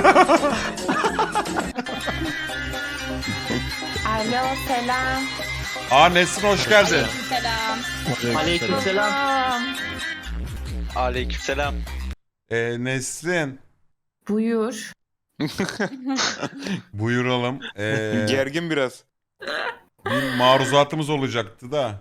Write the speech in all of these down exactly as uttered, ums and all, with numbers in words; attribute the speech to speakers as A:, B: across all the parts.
A: Alo selam.
B: Aa Nesrin hoş geldin.
C: Selam.
D: Aleykümselam.
E: Aleykümselam.
B: Ee, Nesrin
A: Buyur.
B: buyuralım. Ee,
D: Gergin biraz.
B: bir maruzatımız olacaktı da.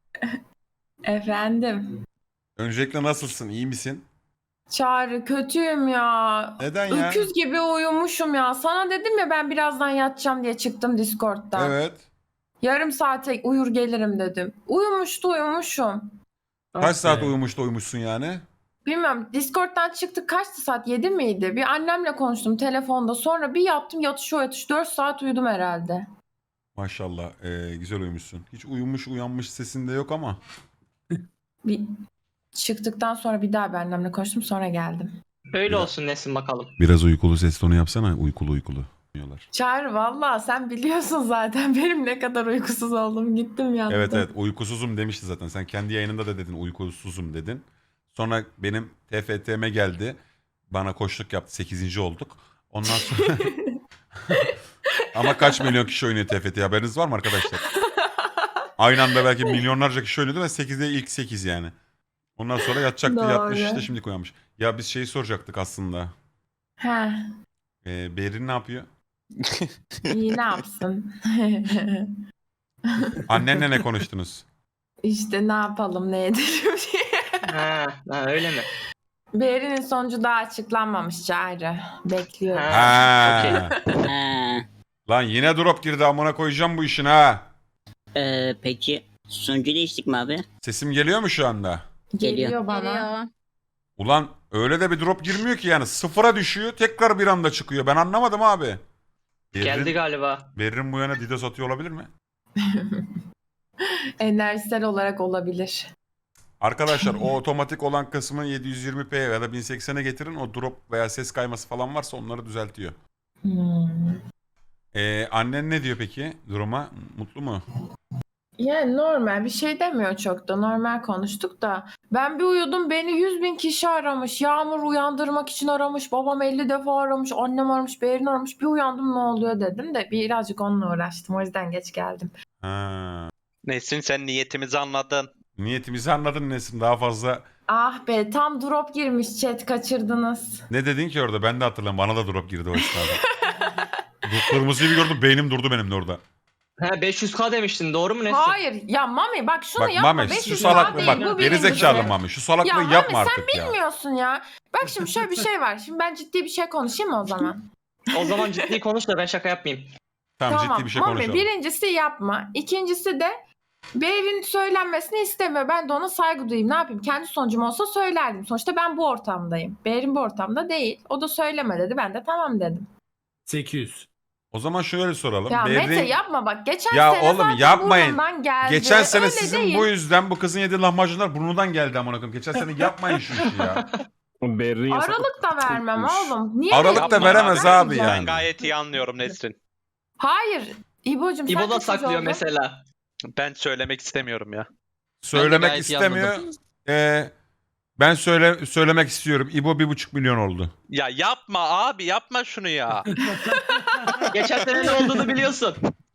A: Efendim.
B: Öncelikle nasılsın? İyi misin?
A: Çağrı kötüyüm ya.
B: Neden ya?
A: Öküz gibi uyumuşum ya. Sana dedim ya ben birazdan yatacağım diye çıktım Discord'dan.
B: Evet.
A: Yarım saate uyur gelirim dedim. Uyumuştu uyumuşum.
B: Kaç saat uyumuş da uyumuşsun yani?
A: Bilmiyorum Discord'dan çıktık kaçtı saat yedi miydi? Bir annemle konuştum telefonda sonra bir yattım yatış o yatış dört saat uyudum herhalde.
B: Maşallah ee, güzel uyumuşsun. Hiç uyumuş uyanmış sesinde yok ama.
A: Bir çıktıktan sonra bir daha bir annemle konuştum sonra geldim.
C: Öyle
B: Biraz-
C: olsun Nesin bakalım.
B: Biraz uykulu ses tonu yapsana. Uykulu uykulu. Diyorlar.
A: Çağrı valla sen biliyorsun zaten benim ne kadar uykusuz oldum gittim yattım.
B: Evet evet uykusuzum demişti zaten. Sen kendi yayınında da dedin uykusuzum dedin. Sonra benim T F T M'e geldi. Bana koçluk yaptı. sekizinci olduk. Ondan sonra... Ama kaç milyon kişi oynuyor T F T haberiniz var mı arkadaşlar? Aynı anda belki milyonlarca kişi oynuyordu ve sekizde ilk sekiz yani. Ondan sonra yatacaktı
A: Doğru.
B: yatmış işte şimdi uyanmış. Ya biz şeyi soracaktık aslında.
A: He
B: Ee, Berin ne yapıyor?
A: iyi ne yapsın?
B: Annenle ne konuştunuz?
A: İşte ne yapalım ne edelim diye.
C: Ha, ha öyle mi?
A: Beğerinin sonucu daha açıklanmamış Çağrı. Bekliyorum.
C: Ha.
B: Ha.
F: Ha,
B: Lan yine drop girdi amına koyacağım bu işin ha.
F: e, peki sonucu değiştik mi abi?
B: Sesim geliyor mu şu anda?
A: Geliyor,
F: Geliyor.
A: bana.
C: Geliyor.
B: Ulan öyle de bir drop girmiyor ki yani sıfıra düşüyor tekrar bir anda çıkıyor. Ben anlamadım abi.
C: Geldi
B: Berrin,
C: galiba.
B: Berrin bu yana Didos atıyor olabilir mi?
A: Enerjisel olarak olabilir.
B: Arkadaşlar o otomatik olan kısmı yedi yüz yirmi p ya da bin seksene getirin. O drop veya ses kayması falan varsa onları düzeltiyor.
A: Hmm.
B: Ee, annen ne diyor peki duruma? Mutlu mu?
A: Yani normal bir şey demiyor çok da normal konuştuk da ben bir uyudum beni yüz bin kişi aramış. Yağmur uyandırmak için aramış. Babam elli defa aramış. Annem aramış. Berin aramış. Bir uyandım ne oluyor dedim de birazcık onunla uğraştım. O yüzden geç geldim.
B: Ha.
E: Nesrin sen niyetimizi anladın.
B: Niyetimizi anladın Nesin daha fazla.
A: Ah be tam drop girmiş chat kaçırdınız.
B: Ne dedin ki orada ben de hatırlamıyorum. Bana da drop girdi o esnada. Bu kırmızıyı bir gördüm beynim durdu benim de orada.
C: Ha beş yüz k demiştin doğru mu Nesin?
A: Hayır ya Mami bak şunu
B: Bak
A: yapma.
B: Mami
A: beş
B: şu
A: yüz
B: salaklığı
A: değil,
B: bak
A: bu
B: gerizekalı
A: birincisi.
B: Mami şu salaklığı
A: Ya Mami
B: yapma
A: sen
B: artık ya.
A: bilmiyorsun ya. Bak şimdi şöyle bir şey var. Şimdi ben ciddi bir şey konuşayım mı o zaman?
C: O zaman ciddi konuş da ben şaka yapmayayım.
B: Tamam, ciddi bir şey
A: Mami,
B: konuşalım.
A: birincisi yapma. İkincisi de Berin söylenmesini istemiyor. Ben de ona saygı duyayım. Ne yapayım? Kendi sonucum olsa söylerdim. Sonuçta ben bu ortamdayım. Berin bu ortamda değil. O da söyleme dedi. Ben de tamam dedim.
G: sekiz yüz.
B: O zaman şöyle soralım.
A: Ya
B: Berrin-
A: Mete yapma bak. Geçen
B: Ya
A: sene
B: oğlum,
A: zaten
B: yapmayın.
A: burnumdan geldi.
B: Geçen sene
A: Öyle
B: sizin
A: değil.
B: bu yüzden bu kızın yediği lahmacunlar burnundan geldi amına koyayım. Geçen sene yapmayın şu işi ya.
D: Berrin yasak.
A: Aralık da vermem oğlum. Niye
B: Aralık da
A: vereyim?
B: veremez
A: Ben
B: abi
A: vermeyeceğim.
B: yani.
E: Ben gayet iyi anlıyorum Nesrin.
A: Hayır. İbo'cum sen
C: İbo da
A: kaçıncı
C: saklıyor
A: oldun?
C: mesela.
E: Ben söylemek istemiyorum ya.
B: Söylemek
C: gayet iyi
B: istemiyor. Ee, ben söyle söylemek istiyorum. İbo bir buçuk milyon oldu.
E: Ya yapma abi yapma şunu ya.
C: Geçen sene ne olduğunu biliyorsun.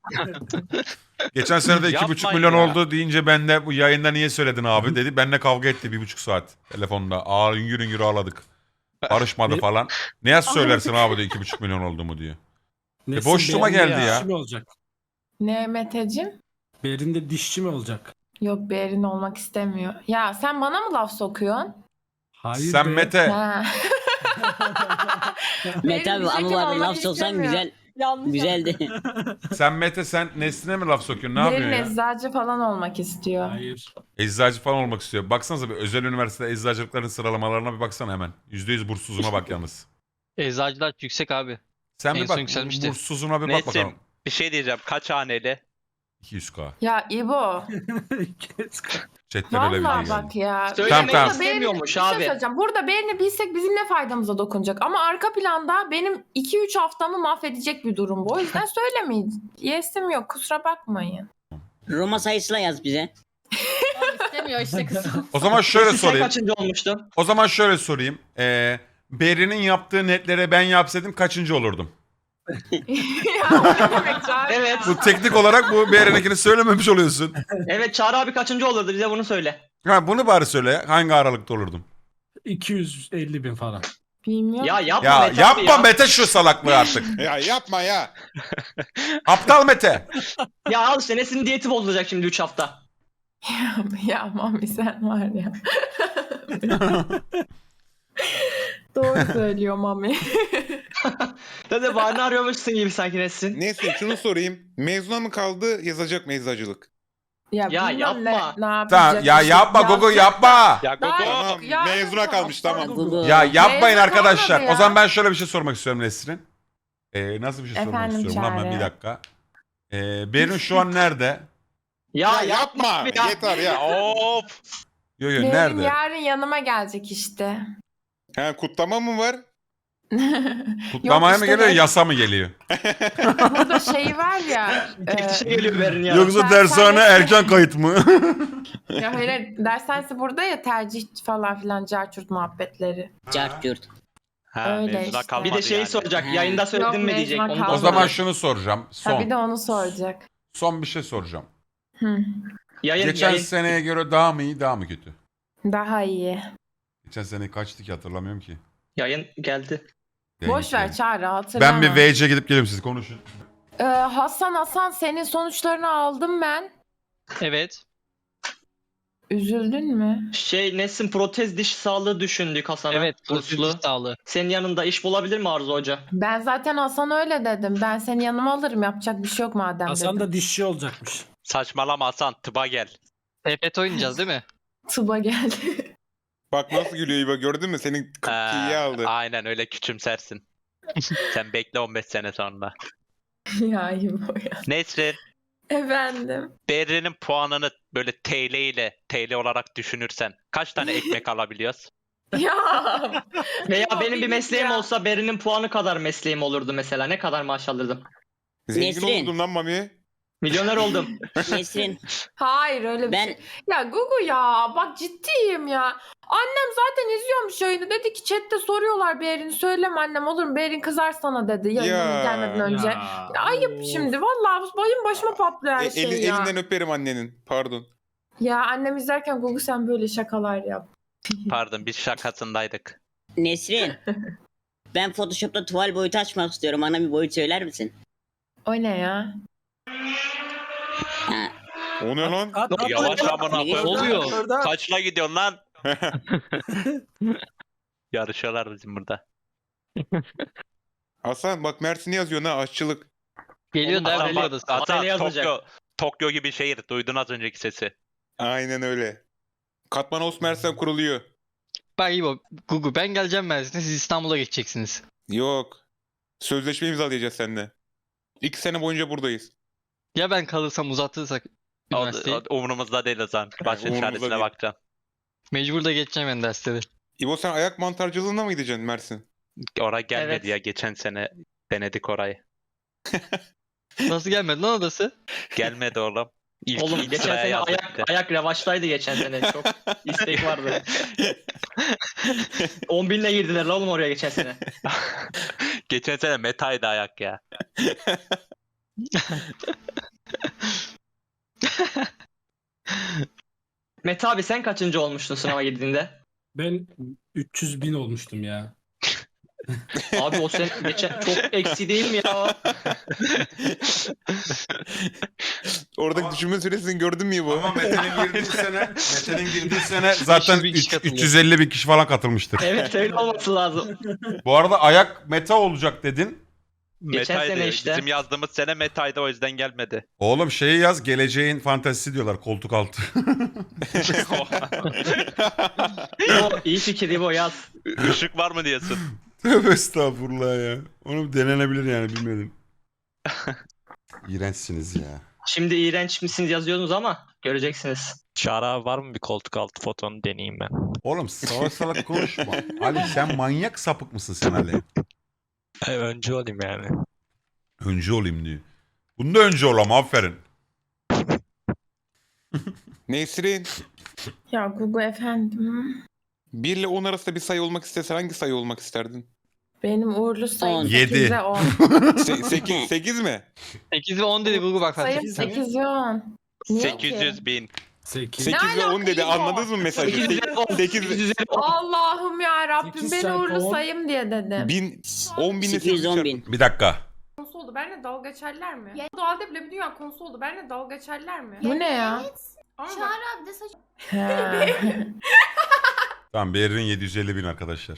B: Geçen sene de iki buçuk
E: Yapmayın
B: milyon
E: ya.
B: oldu deyince ben de bu yayında niye söyledin abi dedi. Benimle kavga etti bir buçuk saat telefonda. Ağır üngür üngür ağladık. Barışmadı falan. Ne yaz söylersin abi de iki buçuk milyon oldu mu diyor.
G: Nesin,
B: boşluğuma
G: Berin de
B: geldi ya.
G: Dişçi mi olacak?
A: Ne Meteciğim?
G: Berin de dişçi mi olacak?
A: Yok Berin olmak istemiyor. Ya sen bana mı laf sokuyorsun?
G: Hayır
B: Sen
G: be.
B: Mete.
A: Ha.
F: Mete
A: Berin
F: abi
A: diyecek
F: ama
A: ki
F: var
A: olmak
F: laf soksan
A: istemiyor.
F: güzel
A: Yanlış
F: güzeldi.
B: Sen Mete sen Nesline mi laf sokuyorsun? Ne
A: Berin
B: yapıyorsun ya?
A: eczacı falan olmak istiyor.
G: Hayır.
B: Eczacı falan olmak istiyor. Baksanıza bir özel üniversitede eczacılıkların sıralamalarına bir baksana hemen. yüzde yüz burssuzuna bak yalnız.
H: Eczacılar yüksek abi.
B: Sen
H: En
B: bir
H: son
B: bak
H: yükselmişti.
B: burssuzuna bir bak bakalım.
E: Nesin bir şey diyeceğim. Kaç haneli?
B: iki yüz k.
A: Ya İbo.
B: Chatten öyle bir
A: Vallahi
B: şey
A: bak
B: geldi.
A: ya.
C: Söylemek
B: tamam.
C: istemiyormuş
A: Bir şey
C: abi.
A: söyleyeceğim. Burada Berin'i bilsek bizim ne faydamıza dokunacak? Ama arka planda benim iki üç haftamı mahvedecek bir durum bu. O yüzden söylemeyin. Yesim yok. Kusura bakmayın.
F: Roma sayısıyla yaz bize.
C: İstemiyor işte kız.
B: O zaman şöyle
C: Sen
B: sorayım.
C: kaçıncı olmuştun?
B: O zaman şöyle sorayım. Ee, Beri'nin yaptığı netlere ben yapsaydım kaçıncı olurdum?
A: Ya o ne demek Çağrı?
C: Evet.
B: Bu teknik olarak bu Beri'ninkini söylememiş oluyorsun.
C: Evet Çağrı abi kaçıncı olurdu bize bunu söyle.
B: Ha bunu bari söyle. Hangi aralıkta olurdum?
G: iki yüz elli bin falan.
A: Bilmiyorum.
C: Ya yapma
B: Ya
C: Mete abi
B: yapma
C: ya.
B: Mete şu salaklığı artık.
D: Ya yapma ya.
B: Aptal Mete.
C: Ya al işte Nesin diyeti bozulacak şimdi üç hafta.
A: Ya Mami sen var ya. Doğru söylüyor Mami.
C: Dede bahane arıyormuşsun gibi sanki Nesin.
D: Neyse şunu sorayım. Mezuna mı kaldı yazacak mı eczacılık?
A: Ya,
C: Ya
A: bilmem
C: yapma.
A: Ne, ne yapacak
B: Tamam ya
A: işte.
B: yapma Gogo yapma.
E: Ya
A: Daha-
E: Gogo.
D: Tamam
A: Ya-
D: mezuna kalmış tamam.
F: Google.
B: Ya yapmayın
A: Mezun
B: arkadaşlar.
A: olmadı ya.
B: O zaman ben şöyle bir şey sormak istiyorum Nesrin. Ee, nasıl bir şey sormak
A: Efendim
B: istiyorum lan ben
A: Çağrı.
B: bir dakika. Ee, Berin şu an nerede?
C: Ya,
D: Ya yapma.
C: abi ya.
D: Yeter ya.
E: Of.
B: Yo yo
A: Benim
B: nerede?
A: yarın yanıma gelecek işte.
D: Ha, kutlama mı var?
B: Kutlamaya
A: Yok
B: mı
A: işte
B: geliyor
A: ben-
B: yasa mı geliyor?
A: Burada şey var ya.
C: Teftişe
A: e,
C: geliyor Berin ya.
B: Yoksa
A: Ben-
B: dershane
A: sen-
B: erken kayıt mı?
A: ya hayır dershanesi burada ya tercih falan filan carçurt muhabbetleri.
F: Cart yurt.
E: Ha,
A: Öyle
E: mevzuda
A: işte.
E: kalmadı
C: Bir de şeyi
E: yani.
C: soracak.
F: Ha.
C: Yayında söyledin
A: Yok,
C: mi diyecek.
A: mezuna
C: Onu da
A: kaldı.
B: O zaman
C: soracak.
B: şunu soracağım.
A: Ha, bir
B: Son.
A: de onu soracak.
B: Son bir şey soracağım.
A: Hı.
C: Yayın,
B: Geçen
C: yayın.
B: seneye göre daha mı iyi daha mı kötü?
A: Daha iyi.
B: Geçen sene kaçtı ki hatırlamıyorum ki.
C: Yayın geldi.
A: Boş ver
B: Yani.
A: Çağrı hatırlama.
B: Ben bir V C gidip geliyorum, siz konuşun.
A: Ee, Hasan Hasan senin sonuçlarını aldım ben.
H: Evet.
A: Üzüldün mü?
C: Şey Nesin protez diş sağlığı düşündük Hasan'a.
H: Evet.
C: Burslu.
H: Burslu sağlığı.
C: Senin yanında iş bulabilir mi Arzu Hoca?
A: Ben zaten Hasan öyle dedim. Ben seni yanıma alırım. Yapacak bir şey yok madem
G: Hasan
A: dedim.
G: da dişçi olacakmış.
E: Saçmalama Hasan. Tıba gel.
H: T F T oynayacağız değil mi?
A: Tıba geldi.
D: Bak nasıl gülüyor İbo gördün mü? Senin
E: Ee,
D: kıpkıyı aldı.
E: Aynen öyle küçümsersin. Sen bekle on beş sene sonra.
A: ya iyi bu ya.
E: Nesrin,
A: Efendim.
E: Berrin'in puanını böyle T L ile T L olarak düşünürsen kaç tane ekmek alabiliyoruz?
A: Ya.
C: Veya
A: Ya
C: benim bir
A: bir
C: mesleğim
A: ya.
C: olsa Berin'in puanı kadar mesleğim olurdu mesela. Ne kadar maaş alırdım?
D: Zengin
F: Nesrin.
D: oldum lan Mami.
C: Milyoner oldum.
F: Nesrin.
A: Hayır öyle bir
F: Ben-
A: şey. Ya Gugu ya bak ciddiyim ya. Annem zaten izliyormuş yayını. Dedi ki chatte soruyorlar Berin'i. Söyleme annem olur mu? Berin kızar sana dedi yayına
D: Ya.
A: gelmeden önce.
G: Ya,
A: Ya ayıp
G: of.
A: şimdi. Vallahi bayım başıma patlıyor her
D: E,
A: şey
D: eli-
A: ya.
D: elinden öperim annenin. Pardon.
A: Ya annem izlerken Gugu sen böyle şakalar yap.
E: Pardon biz şakasındaydık.
F: Nesrin. Ben Photoshop'ta tuval boyutu açmak istiyorum. Bana bir boyut söyler misin?
A: O ne ya?
F: Ha,
D: O ne lan?
G: At, at,
E: Yavaş
G: at.
E: amına
F: Ne
E: koyayım.
H: oluyor?
E: Kaçla gidiyorsun lan? Yarışıyorlar bizim burada.
D: Hasan bak Mersin'i yazıyor ha aşçılık.
H: Geliyor
C: Oğlum,
H: da
C: Hasan
H: belli
C: bak-
H: odası.
C: Hasan
E: Hasan
C: yazacak.
E: Tokyo, Tokyo gibi şehir. Duydun az önceki sesi.
D: Aynen öyle. Katmanos Mersin kuruluyor.
H: Bak İbo, Google ben geleceğim Mersin'e, siz İstanbul'a geçeceksiniz.
D: Yok. Sözleşme imzalayacağız seninle. İki sene boyunca buradayız.
H: Ya ben kalırsam uzatırsak
E: O,
H: üniversiteyi.
E: o, umurumuzda değil o zaman. Başın
D: Umurumuzda
E: çaresine
D: değil.
E: bakacağım.
H: Mecbur da geçeceğim ben dersleri.
D: İbo sen ayak mantarcılığına mı gideceksin Mersin?
E: Oraya gelmedi
C: Evet.
E: ya. Geçen sene denedik orayı.
H: Nasıl gelmedi lan odası?
E: Gelmedi oğlum. İlk,
C: Oğlum
E: ilk
C: geçen
E: sıraya
C: sene
E: yazdık
C: ayak,
E: bir de.
C: ayak revaçtaydı geçen sene. Çok istek vardı. on binle girdiler la oğlum oraya geçen sene.
E: Geçen sene metaydı ayak ya.
C: Mete abi sen kaçıncı olmuştun sınava girdiğinde?
G: Ben üç yüz bin olmuştum ya.
C: Abi o sene geçen çok eksi değil mi ya?
D: Oradaki düşünme süresini gördün mü İbo?
B: Ama Mete'nin girdiği sene, Mete'nin girdiği sene zaten
H: bin kişi
B: üç-
H: katılıyor.
B: üç yüz elli bin kişi falan katılmıştır.
C: Evet öyle olması lazım.
B: Bu arada ayak meta olacak dedin.
C: Geçen
E: Metaydı.
C: sene işte.
E: Bizim yazdığımız sene metaydı o yüzden gelmedi.
B: Oğlum şeyi yaz, geleceğin fantezisi diyorlar koltuk altı.
C: O iyi fikir bu yaz.
E: Işık var mı diyorsun?
B: Tövbe estağfurullah ya. Onu denenebilir yani, bilmedim. İğrençsiniz ya.
C: Şimdi iğrenç misiniz yazıyorsunuz ama göreceksiniz.
I: Çağrı abi var mı bir koltuk altı fotonu deneyeyim ben.
B: Oğlum salak salak konuşma. Ali sen manyak sapık mısın sen Ali?
I: E, önce olayım yani.
B: Öncü olayım diyor. Bunda öncü olam, aferin.
D: Nesrin.
A: Ya Gugu efendim.
D: bir ile on arasında bir sayı olmak istesen hangi sayı olmak isterdin?
A: Benim uğurlu
F: On.
A: sayım
B: Yedi.
A: sekize on.
D: sekiz, sekiz mi?
H: sekiz ve on dedi Google bak. fark
A: Sayım
H: ettin mi?
A: sekiz ve on. Niye
E: sekiz yüz
A: ki?
E: bin.
G: sekiz.
D: sekiz ve on dedi.
A: alaka
D: Anladınız mı mesajı?
C: sekiz yüz on.
D: sekiz
C: sekiz yüz on.
A: Allah'ım ya Rabbim
G: Sekiz
A: ben
G: çarpı
A: uğurlu
G: on.
A: sayım diye dedim.
D: bin, on binle
F: sekiz yüz on bin.
B: Bir dakika.
A: Konusu oldu. Benle dalga geçerler mi? Doğalde bile bir dünya konusu oldu. Benle dalga geçerler mi? Bu ne ya? Ama bak-
J: Çağrı abi de saç...
A: He.
B: Tamam Behrin yedi yüz elli bin arkadaşlar.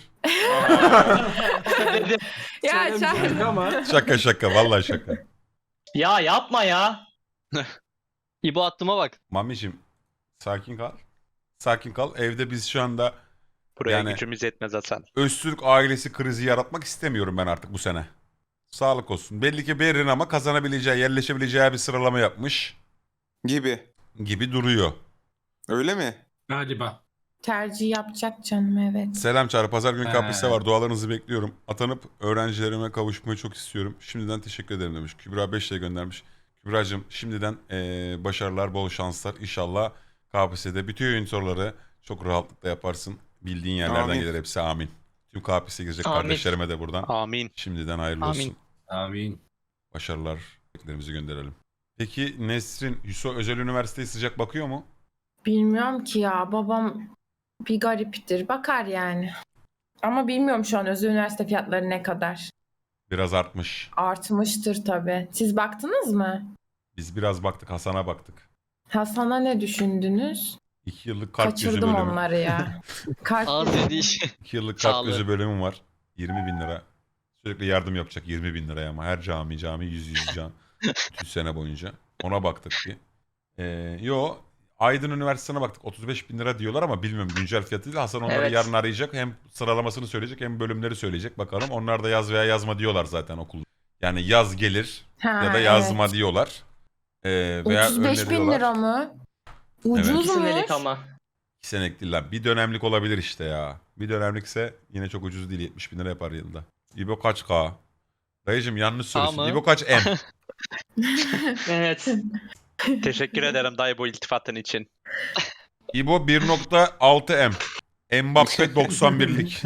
A: ya Çağrı.
G: Ama
B: Şaka şaka vallahi şaka.
C: Ya yapma ya.
H: İbo attığıma bak.
B: Mamicim sakin kal. Sakin kal. Evde biz şu anda
E: Buraya
B: Yani-
E: gücümüz yetmez Hasan.
B: Öztürk ailesi krizi yaratmak istemiyorum ben artık bu sene. Sağlık olsun. Belli ki Behrin ama kazanabileceği, yerleşebileceği bir sıralama yapmış
D: gibi.
B: gibi duruyor.
D: Öyle mi?
G: galiba.
A: Tercih yapacak canım evet.
B: Selam Çağrı. Pazar günü
G: He.
B: kapris'te var. Dualarınızı bekliyorum. Atanıp öğrencilerime kavuşmayı çok istiyorum. Şimdiden teşekkür ederim demiş. Kübra beş lira göndermiş. Kübra'cığım şimdiden eee, başarılar, bol şanslar. İnşallah K P S S'de bütün oyun soruları çok rahatlıkla yaparsın. Bildiğin yerlerden
D: Amin.
B: gelir hepsi amin. Tüm K P S S'ye girecek
C: Amin.
B: kardeşlerime de buradan
E: Amin.
B: şimdiden hayırlı
C: Amin.
B: olsun.
G: Amin.
B: Başarılar. Beklerimizi gönderelim. Peki Nesrin, Hüso Özel Üniversitesi sıcak bakıyor mu?
A: Bilmiyorum ki ya babam bir gariptir. Bakar yani. Ama bilmiyorum şu an özel üniversite fiyatları ne kadar.
B: Biraz artmış.
A: Artmıştır tabii. Siz baktınız mı?
B: Biz biraz baktık, Hasan'a baktık.
A: Hasan'a ne düşündünüz?
B: İki yıllık kalp gözü
A: Kaçırdım
B: bölümü.
A: onları ya. Kalp
H: Ağız
A: gözü-
H: dediği şey.
B: İki yıllık kalp
H: Sağlığı.
B: gözü bölümüm var. yirmi bin lira. Sürekli yardım yapacak yirmi bin liraya ama her cami cami yüz yüz can. Bütün sene boyunca. Ona baktık bir. Ee, yo Aydın Üniversitesi'ne baktık. otuz beş bin lira diyorlar ama bilmiyorum güncel fiyatı değil. Hasan onları
C: Evet.
B: yarın arayacak. Hem sıralamasını söyleyecek hem bölümleri söyleyecek. Bakalım onlar da yaz veya yazma diyorlar zaten okulda. Yani yaz gelir
A: Ha,
B: ya da yazma
A: evet.
B: diyorlar. Ee, veya
A: otuz beş bin
B: öneriyorlar.
A: lira mı?
B: Evet.
A: Ucuzmuş.
C: Senelik ama.
B: İki senelik değil lan. Bir dönemlik olabilir işte ya. Bir dönemlikse yine çok ucuz değil. yetmiş bin lira yapar yılda. İbo kaç K? Dayıcım yanlış söylüyorsun.
H: Ama-
B: İbo kaç M?
C: Evet.
E: Teşekkür ederim dayı bu iltifatın için.
B: İbo bir nokta altı M. Mbappe doksan birlik.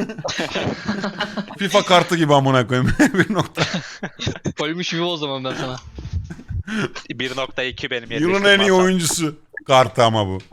B: FIFA kartı gibi amına koyayım. bir nokta.
H: Koymuş İbo o zaman ben sana.
E: bir nokta iki benim
B: Yılın
E: yetiştim
B: en iyi
E: Hasan.
B: oyuncusu. Kartı ama bu.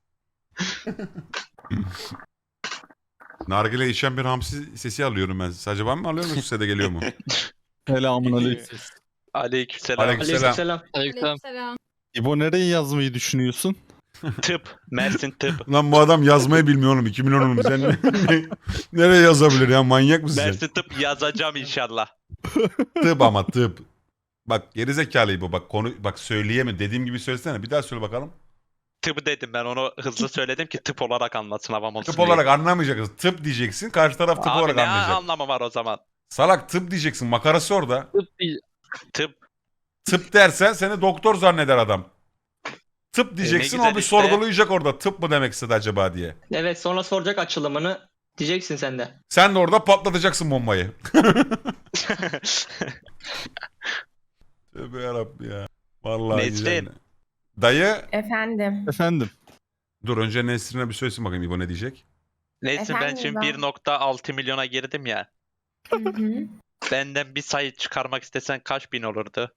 B: Nargile içen bir hamsi sesi alıyorum ben. Sadece ben mi alıyorum yoksa size de geliyor mu?
I: Selamun aleyküm.
E: Aleykümselam.
B: Aleykümselam.
C: Aleykümselam.
H: Aleykümselam.
I: İbo nereye yazmayı düşünüyorsun?
E: Tıp. Mersin tıp.
B: Lan bu adam yazmayı bilmiyor oğlum. iki milyon oğlum. Sen ne- nereye yazabilir ya? Manyak mısın sen?
E: Mersin tıp yazacağım inşallah.
B: Tıp ama tıp. Bak gerizekalı bu bak konu bak söyleyeme dediğim gibi söylesene bir daha söyle bakalım.
E: Tıp dedim ben onu hızlı söyledim ki tıp olarak anlatsın havam olsun
B: Tıp
E: diye.
B: olarak anlamayacaksın. Tıp diyeceksin karşı taraf tıp
E: Abi
B: olarak
E: ne
B: anlayacak.
E: anlamı var o zaman?
B: Salak tıp diyeceksin makarası orada.
H: Tıp değil.
E: Tıp.
B: Tıp dersen seni doktor zanneder adam. Tıp diyeceksin
E: E, güzel
B: o bir
E: işte.
B: sorgulayacak orada tıp mı demek istedi acaba diye.
C: Evet sonra soracak açılımını. Diyeceksin sen de.
B: Sen de orada patlatacaksın bombayı. Tövbe yarabbim ya. Vallahi
E: Nesrin.
B: güzel. Dayı
A: Efendim.
I: Efendim.
B: dur önce Nesrin'e bir söylesin bakayım İbo ne diyecek.
E: Neyse ben
A: Efendim
E: şimdi
A: ben-
E: bir nokta altı milyona girdim ya.
A: Hı hı.
E: Benden bir sayı çıkarmak istesen kaç bin olurdu?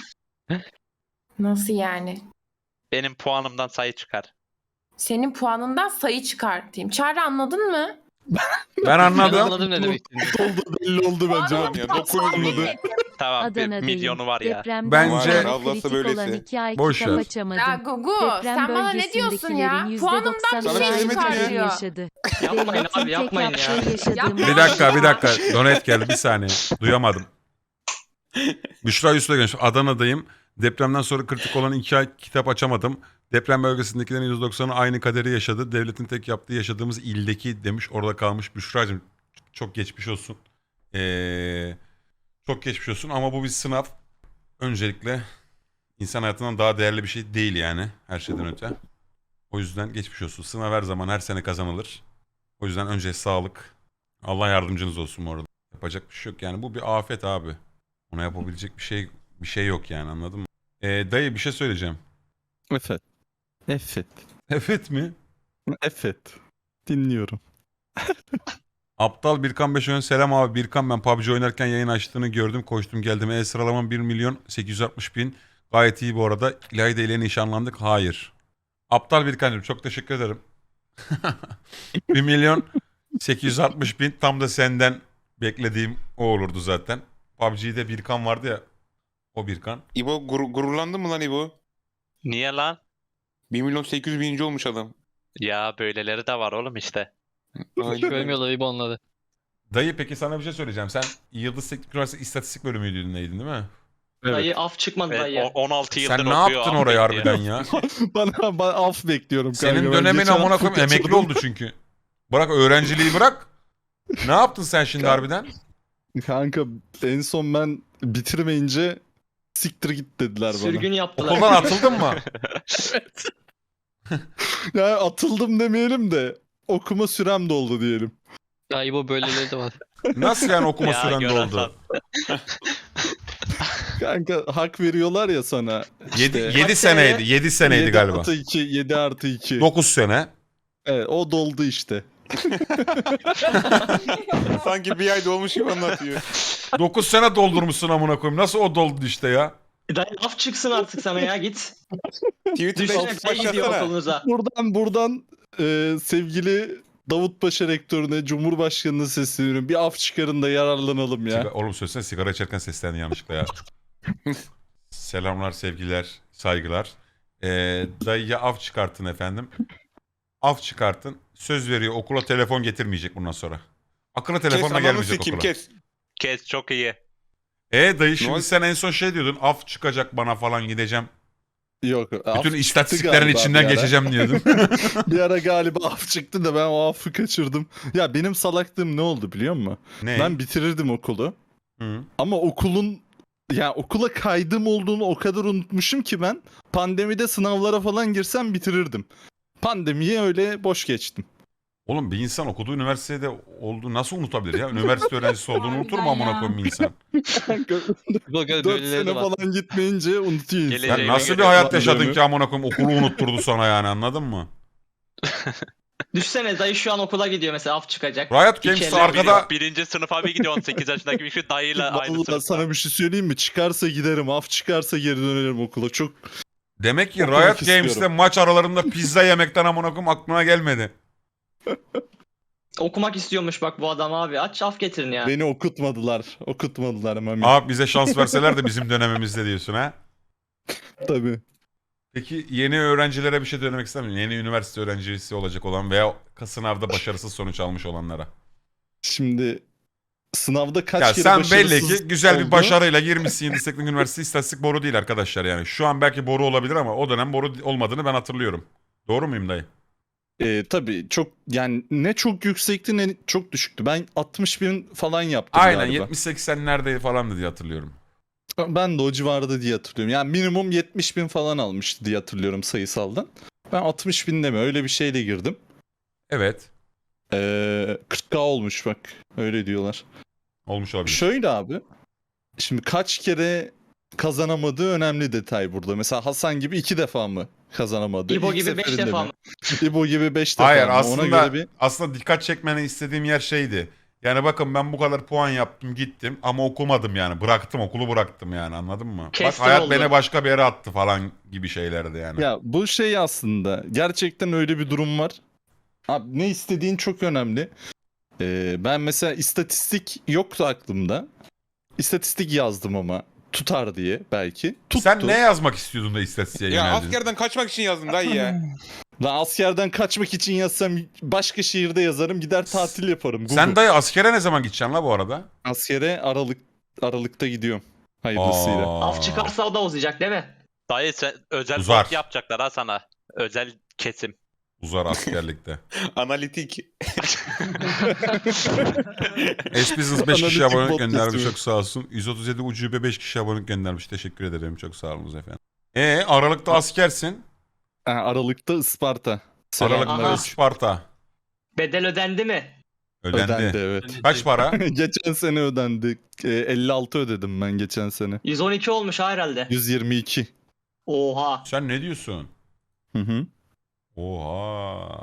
A: Nasıl yani?
E: Benim puanımdan sayı çıkar.
A: Senin puanından sayı çıkartayım. Çağrı anladın mı?
B: Ben
H: Ben
B: anladım.
H: anladım ne demek istediğini.
I: Oldu belli oldu bence.
D: Tamam ya dokuz yüz anladı.
E: Tamam bir milyonu var ya.
B: Bence-
D: Ablası böylesi.
B: Boş ver.
A: Ya Gugu sen bana ne diyorsun ya? Puanımdan bir
D: Sana
A: şey
D: söylemedim ya.
A: çıkartıyor.
C: Yapmayın abi yapmayın ya.
B: Bir dakika bir dakika. Donet geldi bir saniye. Duyamadım. Büşra Yusuf'a gelmiş. Adana'dayım. Depremden sonra kritik olan iki ay kitap açamadım. Deprem bölgesindekilerin yüzde doksanı aynı kaderi yaşadı. Devletin tek yaptığı yaşadığımız ildeki demiş. Orada kalmış. Büşra'cığım çok geçmiş olsun. Ee, çok geçmiş olsun ama bu bir sınav. Öncelikle insan hayatından daha değerli bir şey değil yani. Her şeyden öte. O yüzden geçmiş olsun. Sınav her zaman her sene kazanılır. O yüzden önce sağlık. Allah yardımcınız olsun bu arada. Yapacak bir şey yok yani. Bu bir afet abi. Ona yapabilecek bir şey bir şey yok yani anladın mı? Ee, dayı bir şey söyleyeceğim.
I: Evet. Evet.
B: Evet mi?
I: Evet. Dinliyorum.
B: Aptal Birkan Beşoğlu'nun selam abi. Birkan ben P U B G oynarken yayın açtığını gördüm. Koştum geldim. E sıralamam bir milyon sekiz yüz altmış bin. Gayet iyi bu arada. İlayda ile nişanlandık. Hayır. Aptal Birkan'cığım çok teşekkür ederim. bir milyon sekiz yüz altmış bin tam da senden beklediğim o olurdu zaten. P U B G'de Birkan vardı ya. O Birkan.
D: İbo gur- gururlandın mı lan İbo?
E: Niye lan?
D: bir milyon sekiz yüz bininci olmuş adam.
E: Ya böyleleri de var oğlum işte.
D: Aynen.
H: Görmüyorlar İbo onları.
B: Dayı peki sana bir şey söyleyeceğim. Sen Yıldız Teknik Üniversitesi İstatistik bölümüydün neydin değil mi?
G: Evet.
C: af çıkmadı
E: Ve o- on altı yıldır
B: Sen ne
E: okuyor.
B: yaptın
E: af
B: oraya
E: bekliyor.
B: harbiden ya?
I: bana, bana af bekliyorum kanka.
B: Senin
I: Ben
B: dönemin
I: geçen
B: amına
I: hafta
B: koyayım emekli
I: kaçırdım.
B: oldu çünkü. Bırak öğrenciliği bırak. Ne yaptın sen şimdi harbiden?
I: Kanka en son ben bitirmeyince siktir git dediler bana.
C: Sürgün yaptılar.
B: Okuldan atıldın mı?
I: Ya atıldım demeyelim de okuma sürem doldu diyelim.
H: Ya İbo böyleleri de var.
B: Nasıl yani okuma
E: Ya,
B: süren
E: Gören
B: doldu?
I: Kanka hak veriyorlar ya sana.
B: yedi
I: İşte
B: yedi seneydi. yedi seneydi
I: yedi
B: galiba.
I: artı iki, yedi artı iki.
B: dokuz sene.
I: Evet o doldu işte.
D: Sanki bir ay dolmuş gibi anlatıyor.
B: dokuz sene doldurmuşsun amına koyayım. Nasıl o doldu işte ya?
C: Dayı af çıksın artık sana ya git.
D: Twitter'da
C: Düşünsene
D: ilk
C: şey gidiyor
D: başlasana.
C: okulunuza.
I: Buradan buradan e, sevgili Davut Paşa Rektörü'ne, Cumhurbaşkanı'na sesleniyorum. Bir af çıkarın da yararlanalım ya.
B: Siga- Oğlum söylesene sigara içerken seslendin yanlışlıkla ya. Selamlar, sevgiler, saygılar. Ee, dayıya af çıkartın efendim. Af çıkartın. Söz veriyor okula telefon getirmeyecek bundan sonra. Akıllı
D: Kes
B: telefonla
D: ananı
B: gelmeyecek
D: sikeyim
B: okula.
D: kes.
E: Kes çok iyi.
B: E dayı şimdi
D: oldu?
B: sen en son şey diyordun. Af çıkacak bana falan gideceğim.
I: Yok. af
B: Bütün
I: çıktı
B: istatistiklerin
I: galiba
B: içinden
I: bir ara.
B: geçeceğim diyordun.
I: Bir ara galiba af çıktı da ben o affı kaçırdım. Ya benim salaklığım ne oldu biliyor musun?
B: Ne?
I: Ben bitirirdim okulu.
B: Hı.
I: Ama okulun ya okula kaydım olduğunu o kadar unutmuşum ki ben pandemide sınavlara falan girsem bitirirdim. Pandemiyi öyle boş geçtim.
B: Oğlum bir insan okuduğu üniversitede olduğu nasıl unutabilir ya? Üniversite öğrencisi olduğunu unutur mu amına koyayım bir insan?
H: İbo gör
I: dört
H: böyleleri
I: sene
H: de var.
I: falan gitmeyince unutuyor insan.
E: Geleceğe
B: Sen nasıl bir
E: göre
B: hayat
I: kullandığını.
B: yaşadın ki amına koyayım okulu unutturdu sana yani anladın mı?
C: Düşsene dayı şu an okula gidiyor mesela af çıkacak.
B: Riot
C: İki
B: Games'te
C: eller
B: arkada
E: Birinci sınıfa bir gidiyor on sekiz yaşındaki bir şu dayıyla aynı
I: Vallahi
E: sınıfta.
I: sana bir şey söyleyeyim mi? Çıkarsa giderim. Af çıkarsa geri dönerim okula. Çok
B: demek ki
I: Okumak
B: Riot
I: istiyorum.
B: Games'te maç aralarında pizza yemekten amına koyayım aklına gelmedi.
C: Okumak istiyormuş bak bu adam abi. Aç af getirin ya.
I: beni okutmadılar. Okutmadılar Mami.
B: Abi bize şans verseler de bizim dönemimizde diyorsun ha.
I: Tabii.
B: Peki yeni öğrencilere bir şey söylemek ister misin? Yeni üniversite öğrencisi olacak olan veya sınavda başarısız sonuç almış olanlara.
I: Şimdi sınavda kaç
B: Ya
I: kere
B: sen belli
I: başarısız
B: ki güzel bir
I: oldu?
B: başarıyla girmişsin Yıldız Teknik Üniversitesi istatistik boru değil arkadaşlar yani. Şu an belki boru olabilir ama o dönem boru olmadığını ben hatırlıyorum. Doğru muyum dayı?
I: Ee, tabii çok yani ne çok yüksekti ne çok düşüktü. Ben altmış bin falan yaptım
B: Aynen
I: galiba.
B: yetmiş seksenlerde falan diye hatırlıyorum.
I: Ben de o civarda diye hatırlıyorum. Yani minimum yetmiş bin falan almıştı diye hatırlıyorum sayısaldan. Ben altmış bin deme öyle bir şeyle girdim.
B: Evet.
I: Ee, kırk bin olmuş bak. Öyle diyorlar.
B: Olmuş olabilir.
I: Şöyle abi. Şimdi kaç kere kazanamadığı önemli detay burada. Mesela Hasan gibi iki defa mı kazanamadı?
C: İbo
I: İlk
C: gibi beş
I: seferinde
C: defa
I: mi?
C: mı?
I: İbo gibi beş defa
B: Hayır
I: mı?
B: aslında
I: Ona göre bir...
B: aslında dikkat çekmeni istediğim yer şeydi. Yani bakın ben bu kadar puan yaptım gittim ama okumadım yani. Bıraktım okulu bıraktım yani anladın mı?
C: Kestim
B: Bak hayat
C: oldu.
B: beni başka bir yere attı falan gibi şeylerdi yani.
I: Ya bu şey aslında gerçekten öyle bir durum var. Abi ne istediğin çok önemli. Ee, ben mesela istatistik yoktu aklımda. İstatistik yazdım ama tutar diye belki. Tuttu.
B: Sen ne yazmak istiyordun da istatistiğe
D: Ya
B: yöneldin?
D: askerden kaçmak için yazdım dayı ya.
I: Lan askerden kaçmak için yazsam başka şehirde yazarım gider tatil yaparım. Google.
B: Sen dayı askere ne zaman gideceksin la bu arada?
I: Askere Aralık Aralık'ta gidiyorum. Hayırlısıyla.
B: Aa.
C: Af çıkarsa o da uzayacak değil mi?
E: Dayı sen özel
B: Uzar.
E: bot yapacaklar ha sana. Özel kesim.
B: Uzar askerlikte.
D: Analitik.
B: S-Business beş kişi
I: Analitik
B: abonelik
I: bot
B: göndermiş
I: yazıyor.
B: çok sağ olsun. yüz otuz yedi ucube beş kişi abonelik göndermiş. Teşekkür ederim çok sağ olun efendim. E Aralık'ta askersin.
I: Ha, Aralık'ta Isparta.
B: Aralık'ta
I: Selamünaleyküm.
B: Sparta.
C: Bedel ödendi mi?
B: Ödendi.
I: Ödendi evet.
B: Kaç para?
I: Geçen sene ödendi. Ee, elli altı ödedim ben geçen sene.
C: yüz on iki olmuş ha herhalde.
I: yüz yirmi iki.
C: Oha.
B: Sen ne diyorsun?
I: Hı hı.
B: Oha.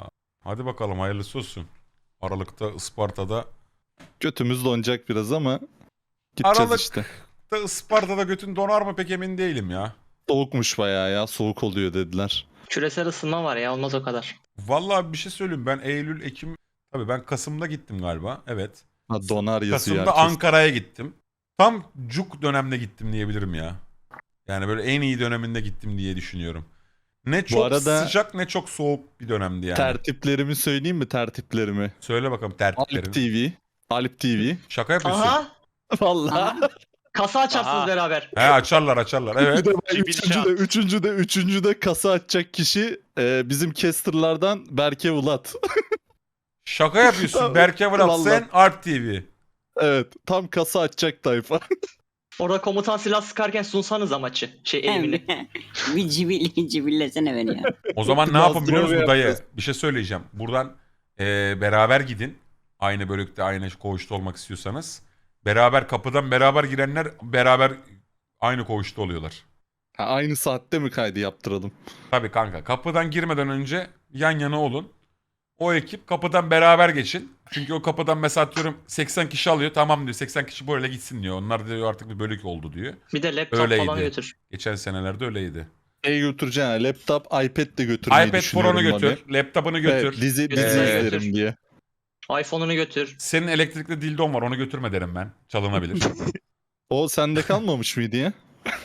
B: Hadi bakalım hayırlısı olsun. Aralık'ta Isparta'da.
I: Götümüz donacak biraz ama gideceğiz
B: Aralık.
I: işte.
B: Da Isparta'da götün donar mı pek emin değilim ya.
I: Soğukmuş bayağı ya. Soğuk oluyor dediler.
C: Küresel ısınma var ya, olmaz o kadar.
B: Vallahi bir şey söyleyeyim, ben Eylül, Ekim, tabii ben Kasım'da gittim galiba. Evet.
I: Ha, donar yazıyor
B: Kasım'da
I: herkes.
B: Ankara'ya gittim. Tam cuk dönemde gittim diyebilirim ya. Yani böyle en iyi döneminde gittim diye düşünüyorum. Ne çok
I: arada-
B: sıcak ne çok soğuk bir dönemdi yani.
I: Tertiplerimi söyleyeyim mi tertiplerimi?
B: Söyle bakalım
I: Alp
B: tertiplerini.
I: T V. Alp T V.
B: Şaka yapıyorsun.
C: Aha!
I: Vallahi.
C: Kasa açarsınız
E: Aha.
C: beraber.
B: He açarlar açarlar evet.
I: Bir de ben
E: Cibil
I: üçüncü
E: şans.
I: de, üçüncü de, üçüncü de kasa açacak kişi e, bizim casterlardan Berke Ulat.
B: Şaka yapıyorsun.
I: Tamam.
B: Berke Vlat
I: Vallahi.
B: sen Alp T V.
I: Evet, tam kasa açacak tayfa.
C: Orada komutan silah sıkarken sunsanız maçı. Şey elimini.
F: bir cibil, cibillesene beni ya.
B: O zaman ne
I: Biraz
B: yapın biliyor musun
I: doğru
B: dayı?
I: yapacağız.
B: Bir şey söyleyeceğim. Buradan eee, beraber gidin. Aynı bölükte aynı koğuşta olmak istiyorsanız. Beraber kapıdan beraber girenler beraber aynı koğuşta oluyorlar.
I: Ha, aynı saatte mi kaydı yaptıralım?
B: Tabii kanka. Kapıdan girmeden önce yan yana olun. O ekip kapıdan beraber geçin. Çünkü o kapıdan mesela atıyorum seksen kişi alıyor. Tamam diyor seksen kişi böyle gitsin diyor. Onlar diyor artık bir bölük oldu diyor.
C: Bir de laptop
B: Öyleydi.
C: falan götür.
B: Geçen senelerde öyleydi.
I: Şey götüreceğim. Laptop, iPad de götürmeyi
B: iPad
I: düşünüyorum.
B: Pro'nu götür.
I: abi.
B: Laptopunu götür.
I: Evet, dizi,
C: Götür,
I: dizi
B: götür.
I: izlerim diye.
C: iPhone'unu götür.
B: Senin elektrikli dildon var onu götürme derim ben. Çalınabilir.
I: O sende kalmamış mıydı ya?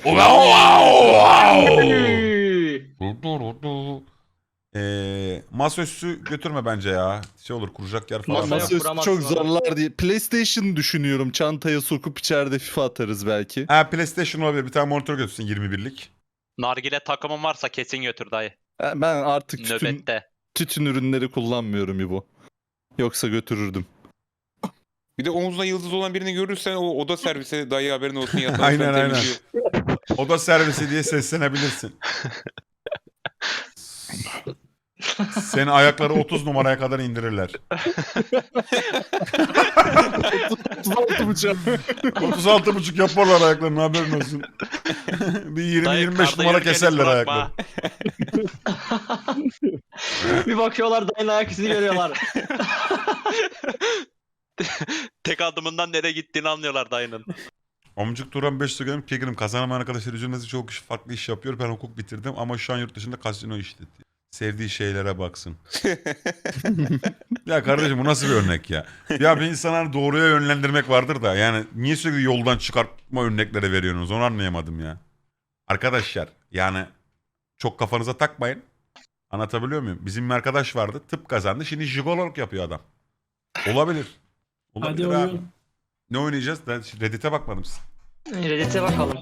B: Eee masaüstü götürme bence ya. Şey olur kuracak yer falan.
C: Masa
B: var.
C: yok.
I: Masaüstü
C: kuramazsın
I: çok
C: onu.
I: zorlar diye. PlayStation düşünüyorum. Çantaya sokup içeride FIFA atarız belki.
B: Ha PlayStation olabilir. Bir tane monitör götürsün yirmi birlik.
E: Nargile takımın varsa kesin götür dayı.
I: Ha, Ben artık tütün,
E: Nöbette.
I: tütün ürünleri kullanmıyorum İbo. Yoksa götürürdüm.
D: Bir de omuzuna yıldız olan birini görürsen o oda servise dayı haberin olsun yatağı
B: Aynen,
D: falan
B: aynen.
D: temizliyor.
B: Oda servisi diye seslenebilirsin. Seni ayakları otuz numaraya kadar indirirler.
I: otuz altı bıçak.
B: otuz altı buçuk yaparlar ayaklarını haberin olsun. Bir yirmi
E: Dayı
B: yirmi beş
E: karda
B: numara
E: yürürken hiç
B: keserler
E: bırakma.
B: ayakları.
C: Bir bakıyorlar dayının ayak izini görüyorlar.
E: Tek adımından nereye gittiğini anlıyorlar dayının.
B: Amcık Turan beş söylüyorum. Kegirim kazanamayan arkadaşlar üzülmesi çok kişi farklı iş yapıyor. Ben hukuk bitirdim ama şu an yurt dışında kasino işletiyor. Sevdiği şeylere baksın. Ya kardeşim bu nasıl bir örnek ya? Ya bir insanı hani doğruya yönlendirmek vardır da yani niye sürekli yoldan çıkartma örnekleri veriyorsunuz onu anlayamadım ya. Arkadaşlar yani çok kafanıza takmayın. Anlatabiliyor muyum? Bizim bir arkadaş vardı tıp kazandı şimdi jigololuk yapıyor adam. Olabilir. Olabilir
G: Hadi
B: abi.
G: oyun.
B: Ne oynayacağız? Ben Reddit'e bakmadım.
C: Reddit'e bakalım.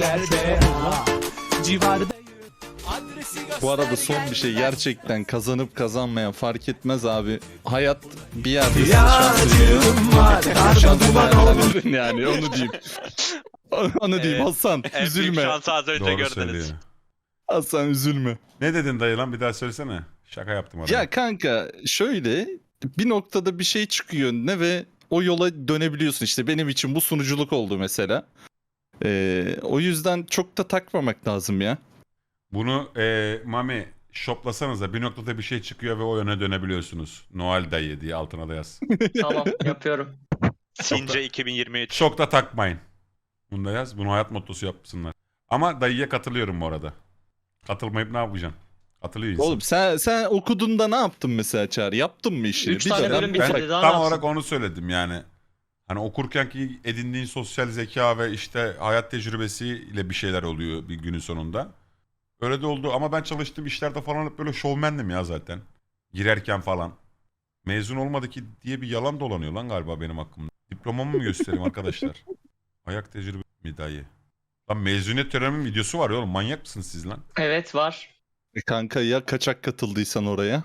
I: Bu arada son bir şey gerçekten kazanıp kazanmayan fark etmez abi. Hayat bir yerde sizi şanslı yani onu diyeyim. Onu diyeyim
E: Evet.
I: Hasan
E: En büyük
I: üzülme.
E: şansı az önce
B: Doğru
E: gördünüz.
B: söylüyor.
I: Hasan üzülme.
B: Ne dedin dayı lan bir daha söylesene. Şaka yaptım adama.
I: Ya kanka şöyle bir noktada bir şey çıkıyor önüne ve o yola dönebiliyorsun. İşte benim için bu sunuculuk oldu mesela. Ee, o yüzden çok da takmamak lazım ya.
B: Bunu e, Mami shoplasanıza bir noktada bir şey çıkıyor ve o yöne dönebiliyorsunuz. Noel dayı diye altına da yaz.
C: Tamam yapıyorum.
E: Since iki bin yirmi üç.
B: Çok da takmayın. Bunu da yaz. Bunu hayat mottosu yapsınlar. Ama dayıya katılıyorum bu arada. Katılmayıp ne yapacaksın? Katılıyor insan.
I: Oğlum sen sen okuduğunda ne yaptın mesela Çağrı? Yaptın mı işini?
C: Üç tane
I: dönem
C: bölüm
B: ben
C: bitirdi, daha ne
B: tam
C: yapsın?
B: olarak onu söyledim yani. Hani okurken ki edindiğin sosyal zeka ve işte hayat tecrübesiyle bir şeyler oluyor bir günün sonunda. Öyle de oldu ama ben çalıştığım işlerde falan hep böyle şovmendim ya zaten. Girerken falan. Mezun olmadı ki diye bir yalan dolanıyor lan galiba benim hakkımda. Diplomamı mı göstereyim arkadaşlar? Ayak tecrübe mi dayı? Lan mezuniyet törenimin videosu var ya oğlum manyak mısınız siz lan?
C: Evet var.
I: E kanka ya kaçak katıldıysan oraya?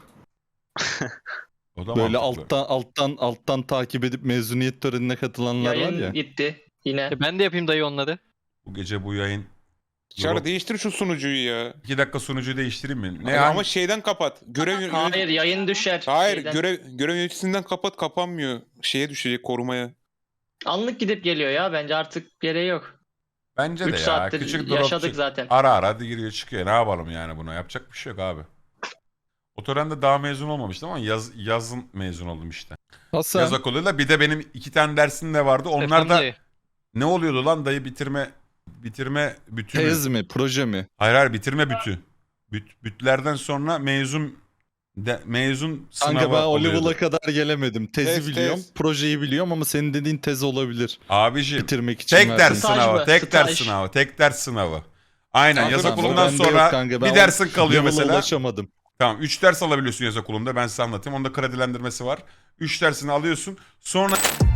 B: O da
I: Böyle
B: mantıklı.
I: alttan alttan alttan takip edip mezuniyet törenine katılanlar var
C: Yayın
I: ya.
C: gitti. Yine.
H: E ben de yapayım dayı onları.
B: Bu gece bu yayın.
D: Çağrı
B: Yok.
D: değiştir şu sunucuyu ya.
B: İki dakika sunucuyu değiştireyim mi? Ne
D: Ama,
B: hangi-
D: ama şeyden kapat. Görev yön-
C: Hayır yayın düşer.
D: Hayır
C: Şeyden.
D: görev görev yöneticisinden kapat kapanmıyor. Şeye düşecek korumaya.
C: Anlık gidip geliyor ya. Bence artık gereği yok.
B: Bence de
C: üç
B: ya.
C: saattir
B: Küçük drop
C: yaşadık
B: çık-
C: zaten.
B: Ara ara giriyor çıkıyor. Ne yapalım yani buna? Yapacak bir şey yok abi. O törende daha mezun olmamıştım ama yaz, yazın mezun oldum işte.
I: Hasan.
B: Yaz okuluyla bir de benim iki tane dersim de vardı. Onlar
H: Efendim
B: da
H: dayı.
B: ne oluyordu lan dayı bitirme bitirme bütü mü?
I: Tez mi? Proje mi?
B: Hayır hayır bitirme bütü. Büt, bütlerden sonra mezun de, mezun sınavı
I: Kanka ben o
B: oluyordu.
I: level'a kadar gelemedim. Tezi
D: Tez,
I: biliyorum,
D: tez.
I: projeyi biliyorum ama senin dediğin tez olabilir.
B: Abiciğim
I: Bitirmek için.
B: tek
I: verdiğin-
B: ders
H: Staj
B: sınavı,
H: mı?
B: tek ders
H: Staj.
B: sınavı, tek ders sınavı. Aynen
D: Kanka
B: yaz
D: ben-
B: okulundan
I: bende yok
B: sonra
I: kanka, ben
B: bir
I: o
B: dersin kalıyor
I: level'a
B: mesela.
I: ulaşamadım.
B: Tamam üç ders alabiliyorsun yaz okulunda ben size anlatayım. Onda kredilendirmesi var. üç dersini alıyorsun. Sonra